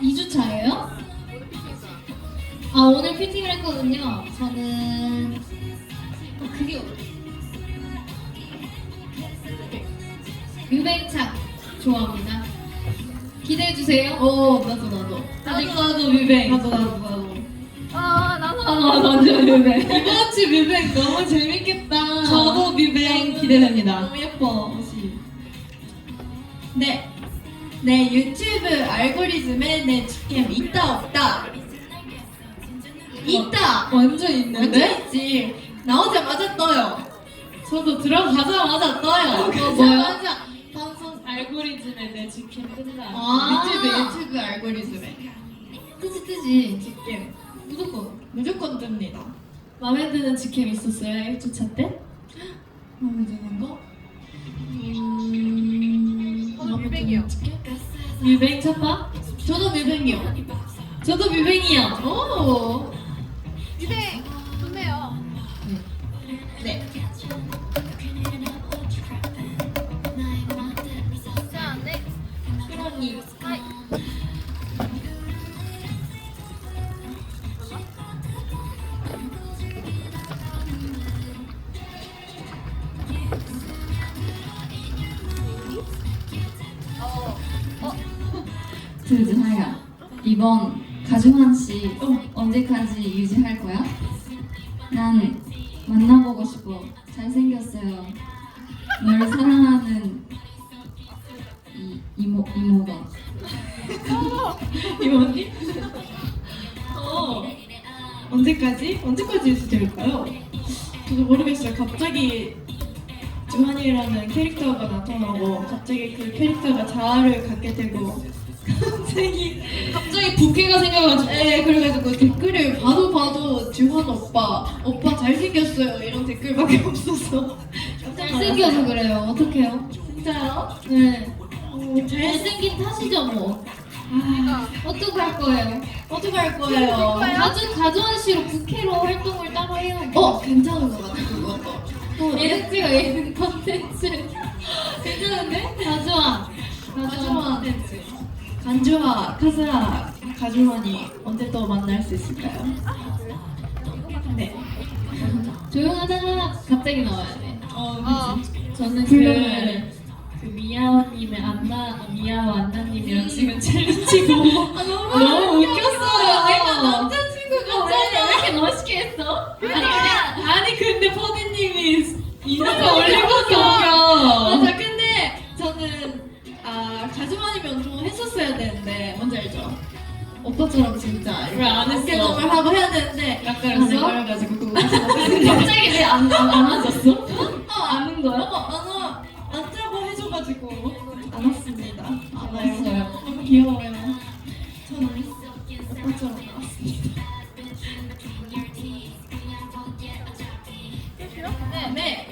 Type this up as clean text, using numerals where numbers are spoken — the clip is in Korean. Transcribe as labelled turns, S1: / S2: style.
S1: 2주차예요? 아, 오늘 피팅을 했거든요. 저는 그게 뮤뱅착 좋아합니다. 기대해주세요.
S2: 나도.
S1: 나도 뮤뱅.
S2: 나도.
S1: 나도 완전 뮤뱅.
S2: 이번 주 뮤뱅 너무 재밌겠다.
S1: 저도 뮤뱅 기대됩니다.
S2: 너무 예뻐. 옷이. 네. 내 유튜브 알고리즘에 내 직캠 있다 없다. 있다.
S1: 완전 있는데?
S2: 완전 있지. 나오자마자 떠요.
S1: 저도 들어가자마자 떠요.
S2: 맞아. 방송
S1: 알고리즘에 내 직캠 뜬다.
S2: 유튜브 알고리즘에
S1: 뜨지.
S2: 직캠
S1: 무조건.
S2: 무조건 뜹니다.
S1: 마음에 드는 직캠 있었어요? 1주차 때?
S2: 마음에 드는 거?
S3: 저는 뮤뱅이요.
S1: 뮤뱅 첫바?
S2: 저도 뮤뱅이요.
S1: 저도 뮤뱅이요.
S2: 오.
S3: 뮤뱅 좋네요.
S2: 네.
S3: 자, 네.
S2: 그러니
S3: 하이.
S4: 드드하야, 이번 가중한 씨 언제까지 유지할 거야? 난 만나보고 싶어. 잘생겼어요. 널 사랑하는 이모가.
S2: 이모님? 언제까지 해도 될까요? 저도 모르겠어요. 갑자기 주한이라는 캐릭터가 나타나고 갑자기 그 캐릭터가 자아를 갖게 되고
S1: 갑자기 부캐가 생겨가지고.
S2: 네, 그래가지고 댓글을 봐도 주한 오빠 잘생겼어요 이런 댓글밖에 없어서
S1: 잘생겨서 그래요. 어떡해요?
S2: 진짜요?
S1: 네.
S2: 잘생긴
S1: 잘생긴 탓이죠, 뭐.
S3: 그러니까
S1: 어떡할 거예요?
S2: 어떡할 거예요?
S1: 가주한 씨로 부캐로 활동을 따로 해요.
S2: 괜찮은 것 같아 그것도.
S1: 예능지가 예능 컨텐츠.
S2: 괜찮은데?
S1: 가주한.
S2: 가주한.
S1: 컨텐츠.
S2: 간주와 카즈라 가주환이 언제 또 만날 수 있을까요? 네.
S1: 조용하다가 갑자기 나와야 돼. 저는
S2: 불러요.
S1: 그 미아원님의 미아와 안나님이랑 지금 챌린지 보고 너무 웃겼어요. 내가 남자친구가 왜 이렇게 멋있게 했어? 아니 근데 퍼디님이 인스타 올리고서 웃겨.
S2: 맞아. 근데 저는 가주환이면 운동을 했었어야 되는데 뭔지 알죠? 오빠처럼 진짜
S1: 왜안 했어?
S2: 어깨동을 하고 해야 되는데
S1: 낯가렸어?
S2: 낯가려가지고 그거
S1: 갑자기 왜 안 와줬어? 아는 거야?
S2: 안 짜고 해줘가지고 안 왔습니다. 안 와요.
S1: 왔어요.
S2: 너무 귀여워요. 저는 오빠처럼 나왔습니다.
S3: 네.
S2: 네.